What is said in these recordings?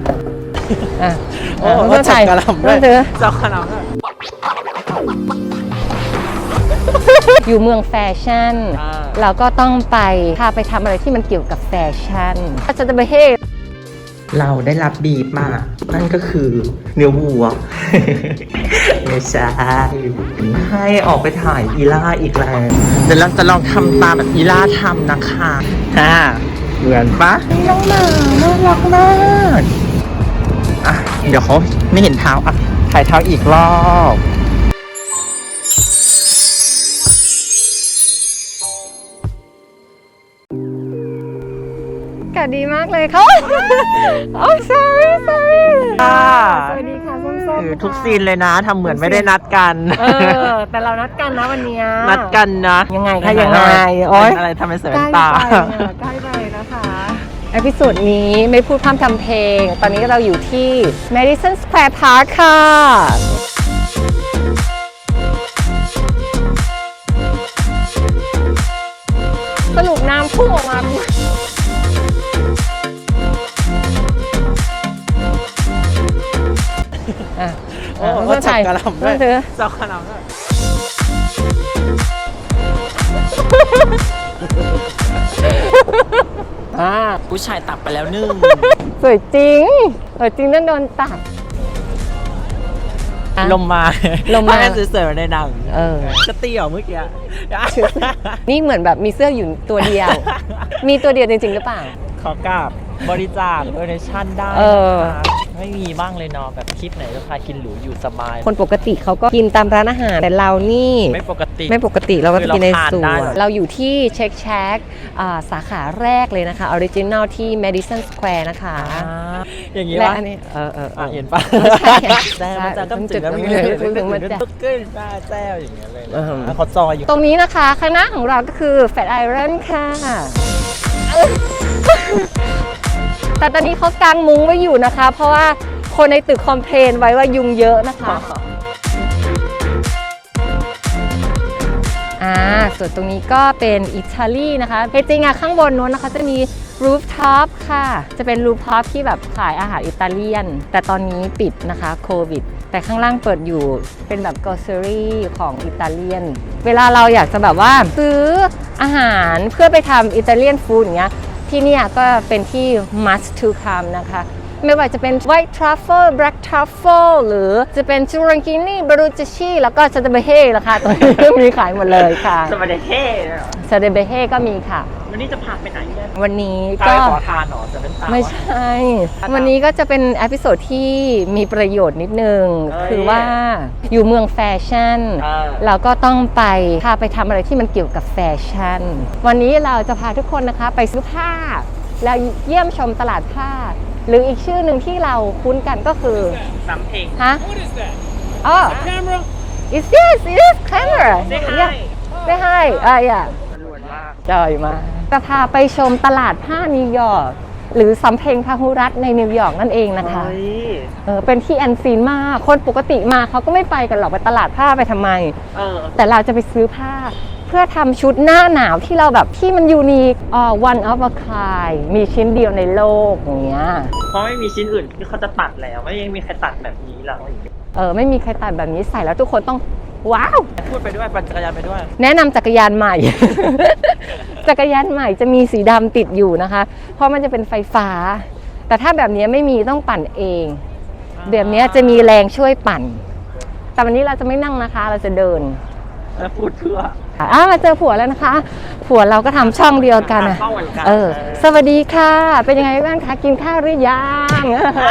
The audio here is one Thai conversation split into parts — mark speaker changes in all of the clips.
Speaker 1: โอ้จับกระหล่ำด้วยจับกระหล่ำด้วย
Speaker 2: อยู่เมืองแฟชั่นเราก็ต้องไปพาไปทำอะไรที่มันเกี่ยวกับแฟชั่นอาจจะไปเฮ
Speaker 3: เราได้รับบีบมานั่นก็คือเนื้อวัว ไม่ใช่ให้ออกไปถ่ายอีล่าอีกแล้วเดี๋ยวเราจะลองทำตามแบบอีล่าทำนะคะเหมือนปะน้องหมาน่ารักมากอ่ะเดี๋ยวเขาไม่เห็นเท้าอ่ะถ่ายเท้าอีกรอบ
Speaker 2: อากาศดีมากเลยเขาโอ้ sorry สวัสดีค่ะส้ม
Speaker 3: ทุกซีนเลยนะทำเหมือนไม่ได้นัดกัน
Speaker 2: แต่เรานัดกันนะวันนี้
Speaker 3: นัดกันนะ
Speaker 2: ยังไงคะยังไง
Speaker 3: โอ๊ยอะไรทำไมเสียตา
Speaker 2: ใกล้ไปนะคะเอพิโซดนี้ไม่พูดพร่ำทำเพลงตอนนี้เราอยู่ที่ Madison Square Park ค่ะสรุปน้ำพุ่งออกมา
Speaker 1: โอ้จับกระหล่ำด้วยจับกระหล่ำด้วย
Speaker 3: ผู้ชายตับไปแล้วนึ่ง
Speaker 2: สวยจริงต้องโดนตับ
Speaker 3: ลมมาสวยๆในหนังจะตีเหรอเมื่อกี้
Speaker 2: นี่เหมือนแบบมีเสื้ออยู่ตัวเดียวมีตัวเดียวจริงๆหรือเปล่า
Speaker 3: ขอกราบบริจาคโดเนชั่นได้ไม่มีบ้างเลยเนาะแบบคลิปไหนราคากินหรูอยู่สบาย
Speaker 2: คนปกติเขาก็กินตามร้านอาหารแต่เรานี่
Speaker 3: ไม่ปก
Speaker 2: ติเราก็กินในสวนเราอยู่ที่เช็คแชกสาขาแรกเลยนะคะออริจินัลที่ Madison Square นะคะ
Speaker 3: อย่างนี้ว่าเห็นปะแซ่บจะต้องจุดแล้วมีเลยถึงมันจะขึ้นแซ่บอย่างเงี้ยเลยเขาจอยอยู่
Speaker 2: ตรงนี้นะคะข้างหน้าของเราก็คือ Fat Iron ค่ะแต่ตอนนี้เขากางมุ้งไว้อยู่นะคะเพราะว่าคนในตึกคอมเพลนไว้ว่ายุงเยอะนะคะส่วนตรงนี้ก็เป็นอิตาลีนะคะจริงๆข้างบนนู้นนะคะจะมีรูฟท็อปค่ะจะเป็นรูฟท็อปที่แบบขายอาหารอิตาเลียนแต่ตอนนี้ปิดนะคะโควิดแต่ข้างล่างเปิดอยู่เป็นแบบกรอสเซอรี่ของอิตาเลียนเวลาเราอยากจะแบบว่าซื้ออาหารเพื่อไปทำอิตาเลียนฟู้ดอย่างเงี้ยที่นี่ก็เป็นที่ must to come นะคะไม่ว่าจะเป็น white truffle black truffle หรือจะเป็น zucchini barucci แล้วก็ซาเดเบเฮ่นะคะตรงนี้ก็มีขายหมดเลยค่ะ
Speaker 3: ซาเดเบเฮ่
Speaker 2: ซาเดเบเฮ่ก็มีค่ะ
Speaker 3: วันนี้จะพาไปไหนเนี่ย
Speaker 2: วันนี้ก็
Speaker 3: ขอทานหรอจะเป็นตา
Speaker 2: ไม่ใช่วันนี้ก็จะเป็นเอพิโซดที่มีประโยชน์นิดนึงคือว่าอยู่เมืองแฟชั่นเราก็ต้องพาไปทำอะไรที่มันเกี่ยวกับแฟชั่นวันนี้เราจะพาทุกคนนะคะไปซื้อผ้าแล้วเยี่ยมชมตลาดผ้าหรืออีกชื่อหนึ่งที่เราคุ้นกันก็คือ
Speaker 3: สำเพ็ง
Speaker 2: ฮะอ๋อ It's camera Say hi yeah จ่อยมาจะพาไปชมตลาดผ้านิวยอร์กหรือสำเพ็งพหุรัตน์ในนิวยอร์กนั่นเองนะคะเป็นที่แอนซีนมากคนปกติมาเขาก็ไม่ไปกันหรอกไปตลาดผ้าไปทำไมแต่เราจะไปซื้อผ้าเพื่อทำชุดหน้าหนาวที่เราแบบที่มันยูนิคone of a kind มีชิ้นเดียวในโลกอย่างเงี้ย
Speaker 3: เพราะไม่มีชิ้นอื่นที่เขาจะตัดแล้วไม่ยังมีใครตัดแบบนี้แล้ว
Speaker 2: ไม่มีใครตัดแบบนี้ใส่แล้วทุกคนต้องว้าว
Speaker 3: พูดไปด้วยปั่นจักรยานไปด้วย
Speaker 2: แนะนำจักรยานใหม่ จักรยานใหม่จะมีสีดำติดอยู่นะคะเพราะมันจะเป็นไฟฟ้าแต่ถ้าแบบนี้ไม่มีต้องปั่นเองแบบนี้จะมีแรงช่วยปั่นแต่วันนี้เราจะไม่นั่งนะคะเราจะเดิน
Speaker 3: แล้วพูดเพื่อ
Speaker 2: มาเจอผัวแล้วนะคะผัวเราก็ทำช่องเดียวกันสวัสดีค่ะเป็นยังไงบ้างคะกินข้าวหรือยัง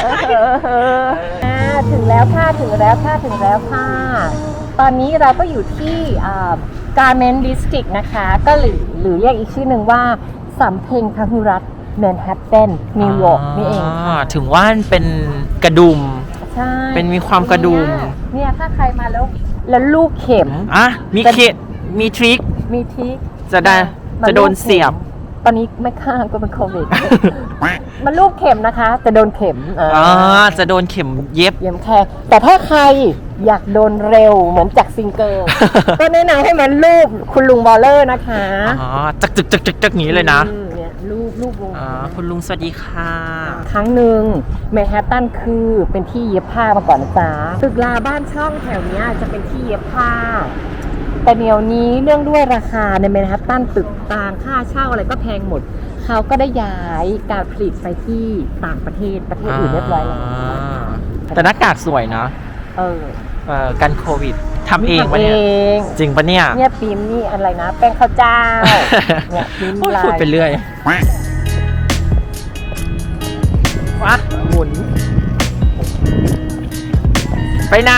Speaker 2: ถึงแล้วค่ะตอนนี้เราก็อยู่ที่Garment District นะคะก็หรือเรียกอีกชื่อหนึ่งว่าสำเพ็งพหุรัตน์แมนฮัตตันนิวยอร์กนี่เอง
Speaker 3: ถึงว่าเป็นกระดุม
Speaker 2: ใช่
Speaker 3: เป็นมีความกระดุม
Speaker 2: เนี่ยถ้าใครมาแล้วลูกเข็ม
Speaker 3: มีเข็มมีทริคจะโดนเสียบ
Speaker 2: ตอนนี้ไม่ข้างก็เป็นโควิดมันลูกเข็มนะคะจะโดนเข็ม
Speaker 3: จะโดนเข็มเย็บ
Speaker 2: แค่แต่ถ้าใครอยากโดนเร็วเหมือนจากซิงเกิลก็แนะนำให้มันลูกคุณลุงบอลเลอร์นะคะ
Speaker 3: จักนี้เลยนะ
Speaker 2: รูปวง
Speaker 3: คุณลุงสวัสดีค่ะ
Speaker 2: ครั้งหนึ่งแมนฮัตตันคือเป็นที่เย็บผ้ามาก่อนนะจ๊ะตึกราบ้านช่องแถวเนี้ยจะเป็นที่เย็บผ้าแต่เดี๋ยวนี้เรื่องด้วยราคาในแมนฮัตตันตึกต่างค่าเช่าอะไรก็แพงหมดเขาก็ได้ย้ายการผลิตไปที่ต่างประเทศอื่นเรียบร้อยแล้ว
Speaker 3: แต่หน้ากากสวยนะ กันโควิดทำเองปะเนี่ยจริงปะเนี่ย
Speaker 2: เนี่ยปีมนี่อะไรนะแป้งข้าวเจ้าเนี่ยปีมลาย
Speaker 3: พูดไปเรื่อยว้าหมุนไปไหน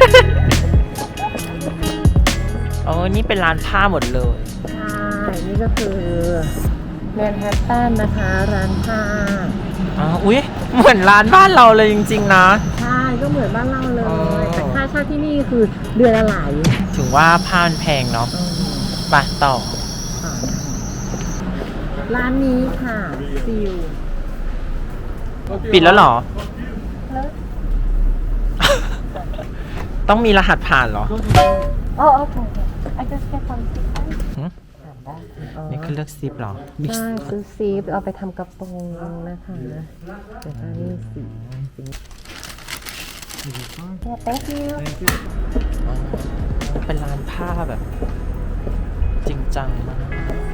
Speaker 3: โอ้นี่เป็นร้านผ้าหมดเลย
Speaker 2: ใช่นี่ก็คือแมนฮัตตันนะคะร้านผ้า
Speaker 3: อุ๊ยเหมือนร้านบ้านเราเลยจริงๆนะ
Speaker 2: ใช่ก็เหมือนบ้านเราเลยแต่ค่าเช่าที่นี่คือเดือนละหลาย
Speaker 3: ถึงว่าผ้ามันแพงเนาะไปต่อ
Speaker 2: ร้านนี้ค่ะซิล
Speaker 3: ปิดแล้วเหรอ ต้องมีรหัสผ่านเหรอ
Speaker 2: โอเคI just get some zip
Speaker 3: นี่คือเลือกซิปเหรอ
Speaker 2: ใช่ซื้อซิปเอาไปทำกระโปรงนะคะเดี๋ยวนี่สีthank you
Speaker 3: เป็นร้านผ้าแบบจริงจังมาก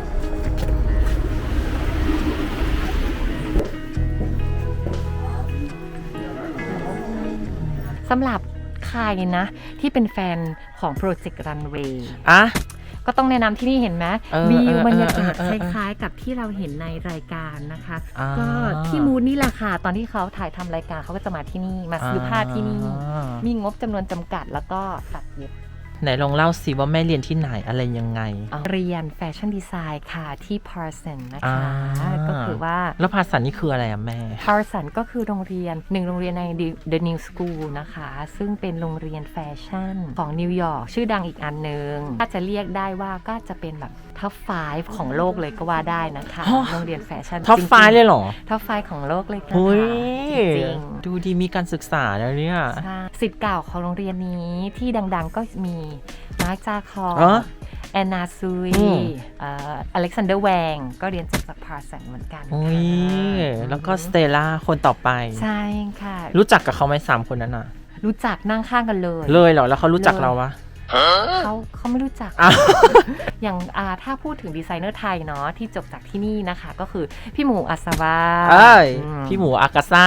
Speaker 2: สำหรับใครนะที่เป็นแฟนของโปรเจกต์รันเวย์ก็ต้องแนะนำที่นี่เห็นไหมวิวบรรยากาศคล้ายๆกับที่เราเห็นในรายการนะคะก็ที่มูดนี่แหละค่ะตอนที่เขาถ่ายทำรายการเขาก็จะมาที่นี่มาซื้อผ้าที่นี่มีงบจำนวนจำกัดแล้วก็ตัดเย็บ
Speaker 3: ไหนลองเล่าสิว่าแม่เรียนที่ไหนอะไรยังไง
Speaker 2: เรียนแฟชั่นดีไซน์ค่ะที่ Parson นะคะก็คือว่า
Speaker 3: แล้ว Parson นี่คืออะไรอะแม่
Speaker 2: Parson ก็คือโรงเรียนหนึ่งโรงเรียนใน The New School นะคะซึ่งเป็นโรงเรียนแฟชั่นของนิวยอร์กชื่อดังอีกอันนึงถ้าจะเรียกได้ว่าก็จะเป็นแบบท็อป 5 ของโลกเลยก็ว่าได้นะคะโรงเรียนแฟชั่น
Speaker 3: ท็อป 5 เลยเหรอ
Speaker 2: ท็อป 5 ของโลกเลยค่ะ
Speaker 3: จริงดูดีมีการศึกษาแล้วเนี่ย
Speaker 2: ศิษย์เก่าของโรงเรียนนี้ที่ดังๆก็มีมาร์คจาคอร์แอนนาซุยอเล็กซานเดอร์แวงก็เรียนจากพาร์สันเหมือนกัน
Speaker 3: แล้วก็สเตลล่าคนต่อไป
Speaker 2: ใช่ค่ะ
Speaker 3: รู้จักกับเขาไหม3 คนนั้นน่ะ
Speaker 2: รู้จักนั่งข้างกันเลย
Speaker 3: เหรอแล้วเขารู้จักเราวะ
Speaker 2: เขาไม่รู้จักอย่างถ้าพูดถึงดีไซเนอร์ไทยเนาะที่จบจากที่นี่นะคะก็คือพี่หมูอัศวา
Speaker 3: พี่หมูอากาซ่า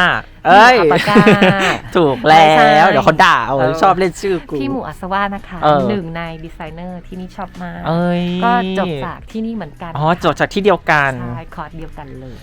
Speaker 3: ถูกแล้วเดี๋ยวเขาด่าชอบเล่นชื่อกู
Speaker 2: พี่หมูอัศวานะคะหนึ่งในดีไซเนอร์ที่นี่ชอบมากก็จบจากที่นี่เหมือนกัน
Speaker 3: จบจากที่เดียวกัน
Speaker 2: ใช่คอร์สเดียวกันเลย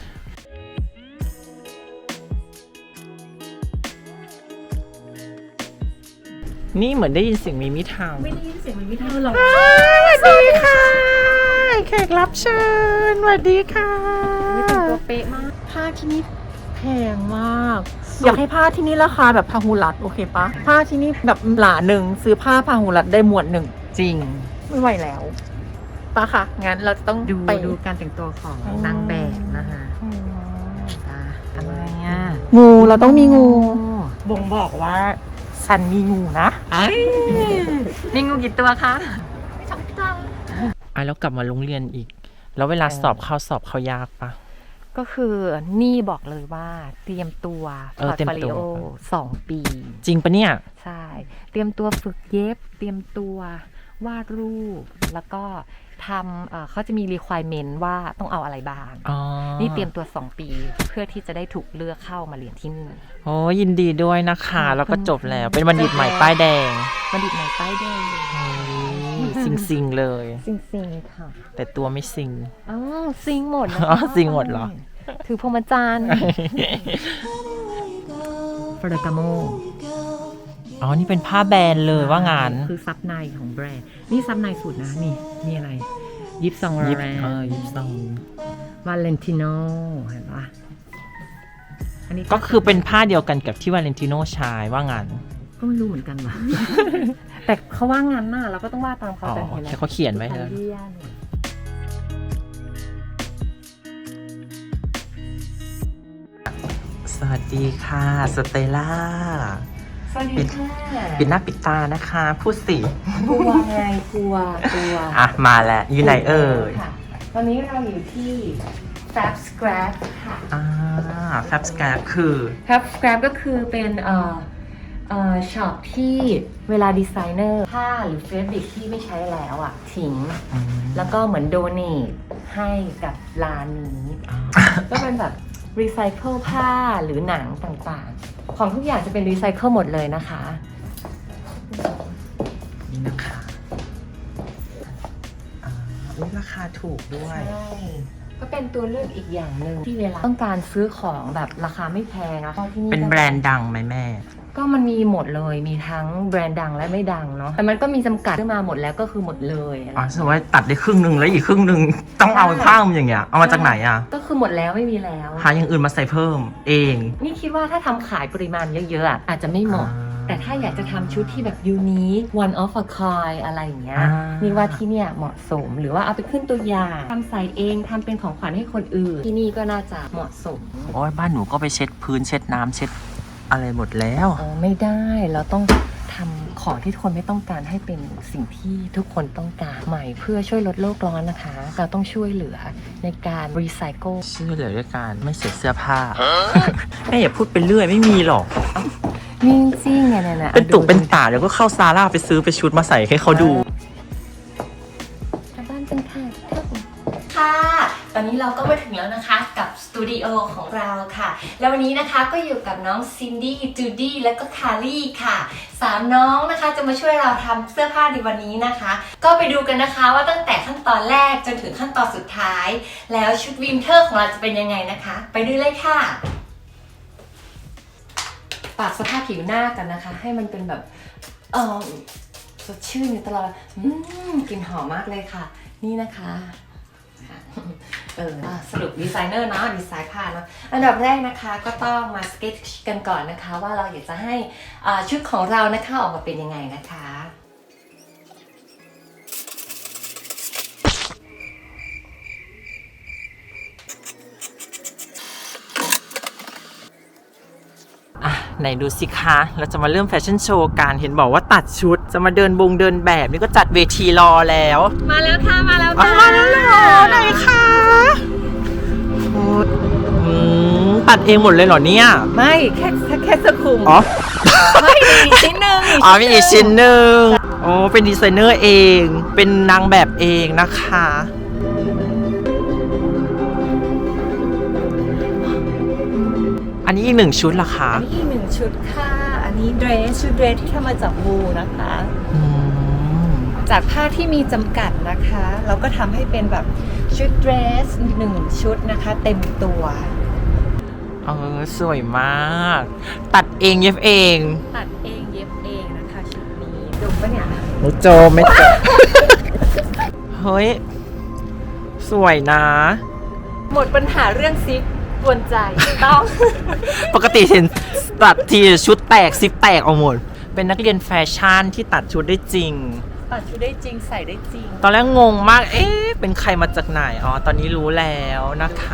Speaker 3: นี่เหมือนได้ยินเสียงมีมิทาง
Speaker 2: ไม่ได้ยินเสียงมีมิทางหรอก
Speaker 3: สวัสดีค่ะแขกรับเชิญสวัสดีค่ะ
Speaker 2: ตัวเป๊ะมาก
Speaker 1: ผ้าที่นี่แพงมากอยากให้ผ้าที่นี่ราคาแบบพาหุรัตโอเคปะผ้าที่นี่แบบหลาหนึ่งซื้อผ้าพาหุรัตได้หมวดหนึ่ง
Speaker 2: จริง
Speaker 1: ไม่ไหวแล้วปะค่ะงั้นเราต้อง
Speaker 2: ไปดูการแต่งตัวของนางแบบนะคะอะไรเงี้ย
Speaker 1: งูเราต้องมีงูบ่งบอกว่าฉันมีงูนะ
Speaker 2: มีงูกี่ตัวคะ
Speaker 1: 2 ตัว
Speaker 3: แล้วกลับมาโรงเรียนอีกแล้วเวลาสอบเข้ายากปะ
Speaker 2: ก็คือนี่บอกเลยว่าเตรียมตัวพอร์ตโฟลิโอ2 ปี
Speaker 3: จริงปะเนี่ย
Speaker 2: ใช่เตรียมตัวฝึกเย็บเตรียมตัววาดรูปแล้วก็ทำเขาจะมี requirement ว่าต้องเอาอะไรบ้างนี่เตรียมตัว2 ปีเพื่อที่จะได้ถูกเลือกเข้ามาเรียนที่นี่
Speaker 3: โอ้ยินดีด้วยนะคะแล้วก็จบแล้วเป็นบัณฑิตใหม่ป้ายแดง
Speaker 2: บัณฑิตใหม่ป้ายแดง
Speaker 3: ซิงเลย
Speaker 2: ซิงค่ะ
Speaker 3: แต่ตัวไม่ซิง
Speaker 2: ซิงหมด
Speaker 3: ซิงหมดเหรอ
Speaker 2: ถือพรหมจรรย์ฟรากาโม
Speaker 3: นี่เป็นผ้าแบรนด์เลยว่างาน
Speaker 2: คือซับในของแบรนด์นี่ซับในสุดนะนี่อะไรยิปซอง
Speaker 3: ยิปซอง
Speaker 2: วาเลนติโนเห็นปะ
Speaker 3: อันนี้ก็คือเป็นผ้าเดียวกันกับที่วาเลนติโนใช้ว่างาน
Speaker 2: ก็ไม่รู้เหมือนกันว่ะแต่เขาว่างานน่ะเราก็ต้องว่าตามเขาแต่เห็น
Speaker 3: แล้วเขาเขียนไว้แล้วสวัสดีค่ะสเตลล่าปิดหน้าปิดตานะคะพูดสิ
Speaker 2: กลัวไงกลัว
Speaker 3: มาแล้วอยู่ไหนเอ่ย
Speaker 2: ตอนนี้เราอยู่ที่ Fab Scrap ค่ะ
Speaker 3: Fab Scrap คือ
Speaker 2: Fab Scrap ก็คือเป็นช็อปที่เวลาดีไซเนอร์ผ้าหรือเฟบริกที่ไม่ใช้แล้วอ่ะทิ้ง แล้วก็เหมือนโดเนทให้กับร้านนี้ ก็เป็นแบบรีไซเคิลผ้าหรือหนังต่างๆ ของทุกอย่างจะเป็นรีไซเคิลหมดเลยนะคะ
Speaker 3: นี่นะคะราคาถูกด้วย
Speaker 2: ใช่ ก็เป็นตัวเลือกอีกอย่างหนึ่งที่เวลาต้องการซื้อของแบบราคาไม่แพงนะที่นี่
Speaker 3: เป็นแบรนด์ดังไหมแม่
Speaker 2: ก็มันมีหมดเลย มีทั้งแบรนด์ดังและไม่ดังเนาะ แต่มันก็มีจำกัดขึ้นมาหมดแล้วก็คือหมดเลย
Speaker 3: อ๋อสมมติว่าตัดได้ครึ่งหนึ่งแล้วอีกครึ่งหนึ่งต้องเอาผ้ามันอย่างเงี้ย เอามาจากไหนอ่ะ
Speaker 2: ก็คือหมดแล้วไม่มีแล้ว
Speaker 3: หาอย่างอื่นมาใส่เพิ่มเอง
Speaker 2: นี่คิดว่าถ้าทำขายปริมาณเยอะๆอะอาจจะไม่เหมาะ แต่ถ้าอยากจะทำชุดที่แบบยูนิค one of a kind อะไรอย่างเงี้ย นี่ว่าที่เนี่ยเหมาะสม หรือว่าเอาไปขึ้นตัวอย่างทำใส่เองทำเป็นของขวัญให้คนอื่น ที่นี่ก็น่าจะเหมาะสม
Speaker 3: โอ้ยบ้านหนูก็ไปเช็ดพื้นเช็ดน้ำเช็ดอะไรหมดแล้ว
Speaker 2: ไม่ได้ เราต้องทำของที่ทุกคนไม่ต้องการให้เป็นสิ่งที่ทุกคนต้องการใหม่เพื่อช่วยลดโลกร้อนนะคะ เราต้องช่วยเหลือในการรีไซเคิล
Speaker 3: ชื่อเหลือด้วยการไม่เสียเสื้อผ้า แม่อย่าพูดไปเรื่อยไม่มีหรอก
Speaker 2: นี่จริงไงนะ
Speaker 3: เป็นตุกเป็นตาเดี๋ยวก็เข้าซาร่าไปซื้อไปชุดมาใส่ให้เขาดู
Speaker 2: กลับบ้านกันค่ะค่ะ ตอนนี้เราก็มาถึงแล้วนะคะกับสตูดิโอของเราค่ะ แล้ววันนี้นะคะก็อยู่กับน้องซินดี้จูดี้และก็คารี่ค่ะ3น้องนะคะจะมาช่วยเราทำเสื้อผ้าในวันนี้นะคะ ก็ไปดูกันนะคะว่าตั้งแต่ขั้นตอนแรกจนถึงขั้นตอนสุดท้าย แล้วชุดวินเทอร์ของเราจะเป็นยังไงนะคะ ไปดูเลยค่ะปรับสภาพผิวหน้ากันนะคะ ให้มันเป็นแบบสดชื่นอยู่ตลอดกลิ่นหอมมากเลยค่ะ นี่นะคะสรุปดีไซเนอร์เนาะดีไซน์ผ้าเนาะอันดับแรกนะคะก็ต้องมาสเก็ตช์กันก่อนนะคะ ว่าเราอยากจะให้ชุดของเรานะคะออกมาเป็นยังไงนะคะ
Speaker 3: ไหนดูสิคะ เราจะมาเริ่มแฟชั่นโชว์การเห็นบอกว่าตัดชุดจะมาเดินแบบนี่ก็จัดเวทีรอแล้ว
Speaker 2: มาแล้วค่ะมาแล้วค่ะ
Speaker 3: มาแล้วเหรอไหนคะตัดเองหมดเลยเหรอเนี่ย
Speaker 2: ไม่แค่สคุม
Speaker 3: อ๋อ
Speaker 2: ไม่มีอีกชิ้นหนึ่ง
Speaker 3: อ๋อมีอีกชิ้นหนึ่งโอ้เป็นดีไซเนอร์เองเป็นนางแบบเองนะคะอันนี้อีกหนึ่งชุดเหรอคะ
Speaker 2: อันนี้อีกหนึ่งชุดค่ะอันนี้ชุดเดรสที่ทำมาจากวูลนะคะ จากผ้าที่มีจำกัดนะคะ เราก็ทำให้เป็นแบบชุดเดรส1ชุดนะคะ เต็มตัว
Speaker 3: สวยมาก ตัดเองเย็บเอง
Speaker 2: ตัดเองเย็บเองนะคะชุดนี้ดูปะเนี่ย
Speaker 3: ไม่โจไม่โจ เฮ้ย สวยนะ
Speaker 2: หมดปัญหาเรื่องซิปกวนใจต้อง
Speaker 3: ปกติเห็นตัดทีชุดแตกซิปแตกเอาหมด เป็นนักเรียนแฟชั่นที่ตัดชุดได้จริง
Speaker 2: ตัดชุดได้จริงใส่ได้จริง
Speaker 3: ตอนแรกงงมาก เอ๊ะ เป็นใครมาจากไหน อ๋อ ตอนนี้รู้แล้วนะคะ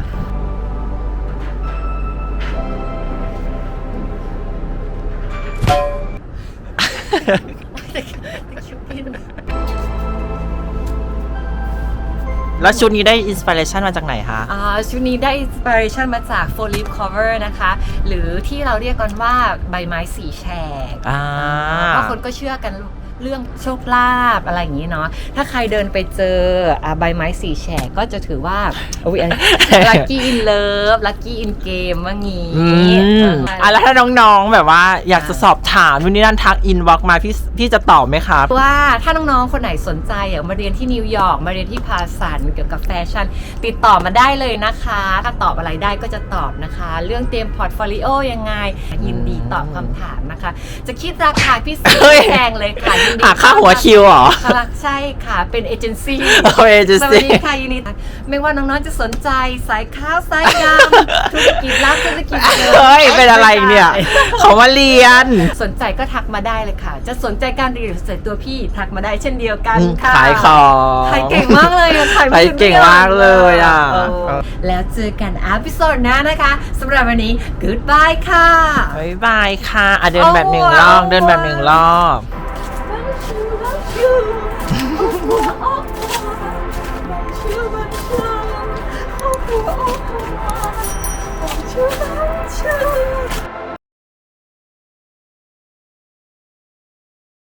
Speaker 3: แล้วชุดนี้ได้อินสปิเรชันมาจากไหนคะ
Speaker 2: ชุดนี้ได้อินสปิเรชันมาจาก Four Leaf Cover นะคะ หรือที่เราเรียกกันว่าใบไม้สีแฉกเพราะคนก็เชื่อกันเรื่องโชคลาภอะไรอย่างนี้เนาะ ถ้าใครเดินไปเจอใบไม้สีแฉกก็จะถือว่าลัคกี้อินเลิฟลัคกี้อินเกมว่างี้
Speaker 3: แล้วถ้าน้องๆแบบว่าอยากจะสอบถามนู่นนี่นั่นทักอินบ็อกมาพี่จะตอบไหมครับ
Speaker 2: ว่าถ้าน้องๆคนไหนสนใจอยากมาเรียนที่นิวยอร์กมาเรียนที่พาสันเกี่ยวกับแฟชั่นติดต่อมาได้เลยนะคะถ้าตอบอะไรได้ก็จะตอบนะคะเรื่องเตรียมพอร์ตโฟลิโอยังไงยินดีตอบคำถามนะคะจะคิดราคาพิเศษแพงเลยค่ะ
Speaker 3: หาค่าหัวคิวเหรอ
Speaker 2: ใช่ค่ะเป็นเอเจนซี่ส
Speaker 3: เอเจนซี่
Speaker 2: วัสดีค่ะยินดีไม่ว่าน้องๆจะสนใจสายขาวสายดำธุรกิจลับธุรกิจ
Speaker 3: เฮ้ยเป็นอะไรเนี่ยเขามาเรียน
Speaker 2: สนใจก็ทักมาได้เลยค่ะจะสนใจการเรียนหรือสนใจตัวพี่ทักมาได้เช่นเดียวกันค่ะ
Speaker 3: ขายของ
Speaker 2: ขายเก่งมากเลย
Speaker 3: ขายเก่งมากเลยอ่ะ
Speaker 2: แล้วเจอกันอีพิโซดหน้านะคะสำหรับวันนี้ goodbye ค่ะ
Speaker 3: บ๊ายบายค่ะเดินแบบหนึ่งรอบเดินแบบหนึ่งรอบ
Speaker 2: Oh,
Speaker 1: ชื่อ